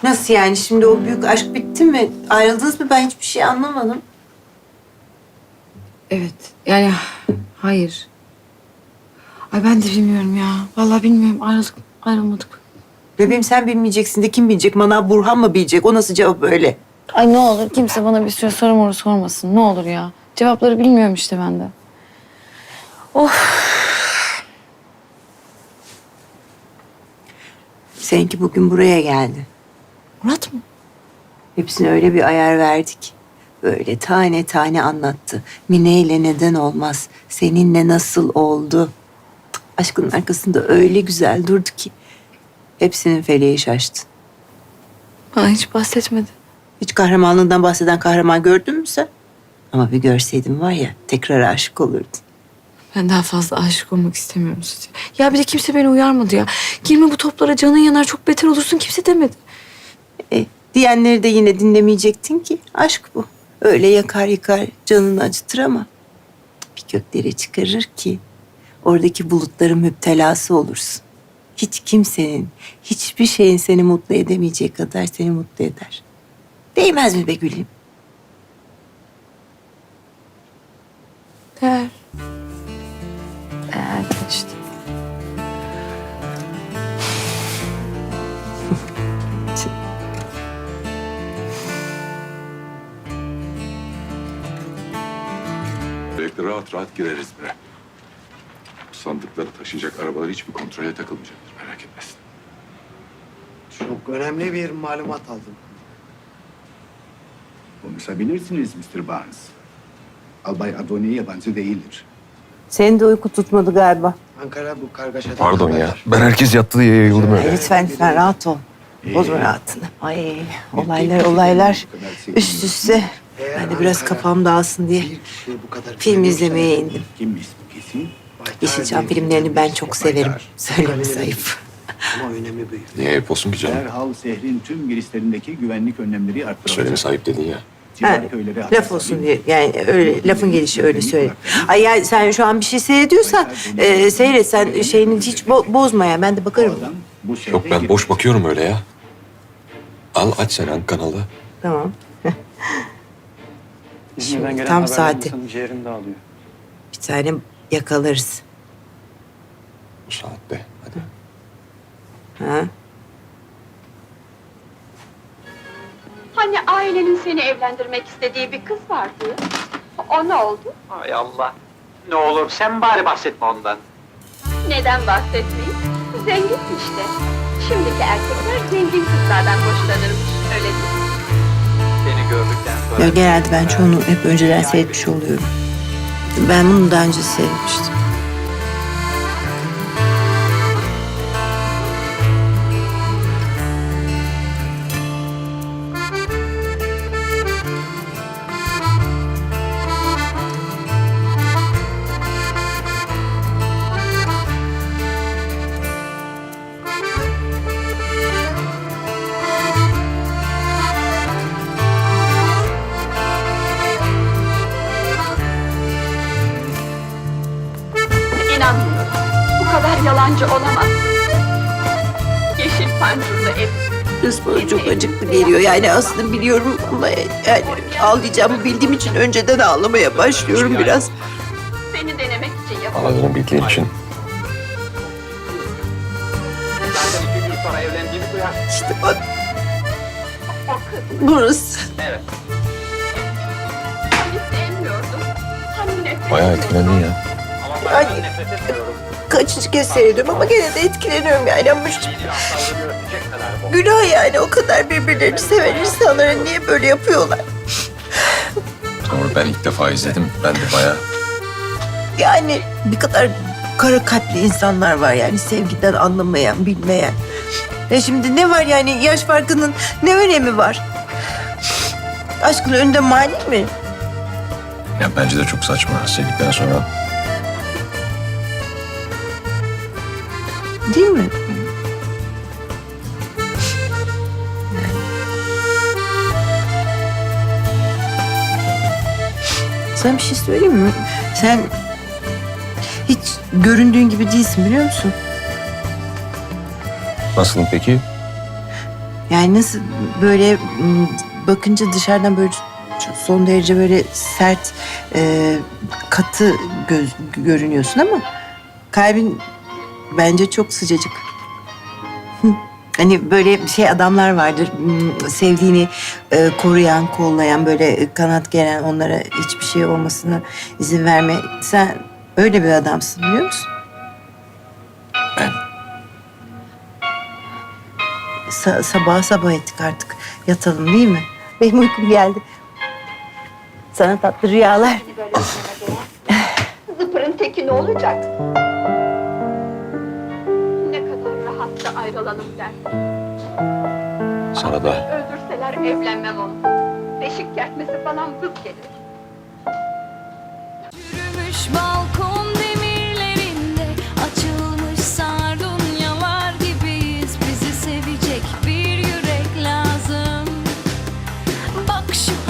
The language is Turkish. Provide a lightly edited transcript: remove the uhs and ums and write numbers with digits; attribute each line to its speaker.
Speaker 1: Nasıl yani? Şimdi o büyük aşk bitti mi? Ayrıldınız mı? Ben hiçbir şey anlamadım.
Speaker 2: Evet. Yani hayır. Ay ben de bilmiyorum ya. Vallahi bilmiyorum. Ayrıldık, ayrılmadık.
Speaker 1: Bebeğim sen bilmeyeceksin de kim bilecek? Manav Burhan mı bilecek? O nasıl cevap öyle?
Speaker 2: Ay ne olur kimse bana bir sürü soru sormasın. Ne olur ya. Cevapları bilmiyorum işte ben de.
Speaker 1: Seninki bugün buraya geldi.
Speaker 2: Murat mı?
Speaker 1: Hepsine öyle bir ayar verdik. Böyle tane tane anlattı. Mine ile neden olmaz? Seninle nasıl oldu? Aşkın arkasında öyle güzel durdu ki. Hepsinin feleği şaştı.
Speaker 2: Bana hiç bahsetmedi.
Speaker 1: Hiç kahramanlığından bahseden kahraman gördün mü sen? Ama bir görseydin var ya tekrar aşık olurdun.
Speaker 2: Ben daha fazla aşık olmak istemiyorum size. Ya bir de kimse beni uyarmadı ya. Girme bu toplara, canın yanar, çok beter olursun, kimse demedi.
Speaker 1: Diyenleri de yine dinlemeyecektin ki. Aşk bu. Öyle yakar yıkar canını acıtır ama bir göklere çıkarır ki oradaki bulutların müptelası olursun. Hiç kimsenin, hiçbir şeyin seni mutlu edemeyeceği kadar seni mutlu eder. Değmez mi be gülüm?
Speaker 2: Değer. Değer işte.
Speaker 3: Böylelikle rahat rahat gireriz bre. Bu sandıkları taşıyacak arabalar hiçbir kontrole takılmayacaktır. Merak etmesin.
Speaker 4: Çok önemli bir malumat aldım.
Speaker 5: Konuşabilirsiniz Mr. Barnes. Albay Adoni yabancı değildir.
Speaker 1: Senin de uyku tutmadı galiba.
Speaker 4: Ankara bu kargaşadan
Speaker 3: Pardon ya.
Speaker 4: haberdar.
Speaker 3: Ben herkes yattığı diye yayıldım öyle.
Speaker 1: Lütfen rahat ol. Bozma rahatını. Ay olaylar üst üste.
Speaker 4: Eğer
Speaker 1: Ben de biraz
Speaker 4: Ankara
Speaker 1: kafam dağılsın diye
Speaker 4: bir kişiye bu kadar
Speaker 1: film izlemeye indim.
Speaker 5: Kimmiş bu kesin?
Speaker 1: Yeşilçam filmlerini ben çok severim. Söylemesi ayıp.
Speaker 4: Ama önemi büyük.
Speaker 3: Niye ayıp olsun ki canım?
Speaker 5: Derhal şehrin tüm girişlerindeki güvenlik önlemleri arttırılacak.
Speaker 3: Söylemesi ayıp dedin ya.
Speaker 5: Civar
Speaker 1: Ha,
Speaker 5: köyleri
Speaker 1: laf
Speaker 5: hassas
Speaker 1: olsun
Speaker 5: bir-
Speaker 1: diye. Yani öyle lafın gelişi öyle söyle. Ay yani sen şu an bir şey seyrediyorsan seyret. Sen şeyini hiç bozma ya. Ben de
Speaker 5: Bu
Speaker 1: bakarım.
Speaker 5: adam bu şehre
Speaker 3: Yok ben boş bakıyorum öyle ya. Al aç sen hangi kanalı.
Speaker 1: Tamam.
Speaker 6: İzmir'den gelen
Speaker 1: tam
Speaker 6: haberler
Speaker 1: saati.
Speaker 6: insanın ciğerini dağılıyor.
Speaker 1: Bir tane yakalarız.
Speaker 3: Bu saatte. Hadi.
Speaker 1: Ha?
Speaker 7: Hani ailenin seni evlendirmek istediği bir kız vardı. O ne oldu?
Speaker 6: Ay Allah. Ne olur sen bari bahsetme ondan.
Speaker 7: Neden bahsetmeyin? Zengin işte. Şimdiki erkekler zengin kızlardan hoşlanırmış, öyle değil mi?
Speaker 6: Seni gördükten sonra...
Speaker 1: Ya genelde ben çoğunu hep önceden seyretmiş oluyorum. Ben bunu daha önce seyretmiştim.
Speaker 7: İnanmıyorum. Bu kadar yalancı olamaz. Yeşil pancurlu ev.
Speaker 1: Kız bana çok acıklı geliyor. Yani aslında biliyorum ama yani ağlayacağımı bildiğim için önceden ağlamaya başlıyorum biraz.
Speaker 7: Seni denemek için yapıldı.
Speaker 3: Ağladığını bildiğin için.
Speaker 6: Zaten 2 gün sonra evlendiğini duyar.
Speaker 1: İşte bak
Speaker 7: O kız
Speaker 1: burası.
Speaker 6: Evet.
Speaker 7: hani sevmiyordum. Hani nefret
Speaker 3: Bayağı
Speaker 7: ediyordum.
Speaker 3: etkilendin ya.
Speaker 6: Ama ben
Speaker 1: Ay.
Speaker 6: nefret etmiyorum.
Speaker 1: Kaçıncı kez seyrediyorum ama gene de etkileniyorum yani. Ama işte
Speaker 6: Bir aptallığını öpecek kadar bu.
Speaker 1: günah yani o kadar birbirlerini seven insanlara niye böyle yapıyorlar?
Speaker 3: Sonra ben ilk defa izledim. Ben de bayağı...
Speaker 1: Yani bir kadar kara kalpli insanlar var yani sevgiden anlamayan, bilmeyen. Ya şimdi ne var yani yaş farkının ne önemi var? Aşkın önünde mani mi?
Speaker 3: Ya bence de çok saçma. Sevdikten sonra...
Speaker 1: Değil mi? Sana bir şey söyleyeyim mi? Sen hiç göründüğün gibi değilsin biliyor musun?
Speaker 3: Nasılım peki?
Speaker 1: Yani nasıl böyle bakınca dışarıdan böyle son derece böyle sert, katı görünüyorsun ama kalbin bence çok sıcacık. Hani böyle şey adamlar vardır, sevdiğini koruyan, kollayan, böyle kanat geren, onlara hiçbir şey olmasına izin verme. Sen öyle bir adamsın, biliyor musun?
Speaker 3: Ben
Speaker 1: Sabah ettik artık. Yatalım değil mi? Benim uykum geldi. Sana tatlı rüyalar.
Speaker 7: Böyle oynama değer. Zıpırın teki ne olacak? Ne kadar rahat da ayrılalım der.
Speaker 3: sana da
Speaker 7: Öldürseler evlenmem onu. Beşik kertmesi falan vız gelir.
Speaker 8: Yürümüş balkon demirlerinde açılmış sardunyalar gibiyiz. Bizi sevecek bir yürek lazım. Bak şu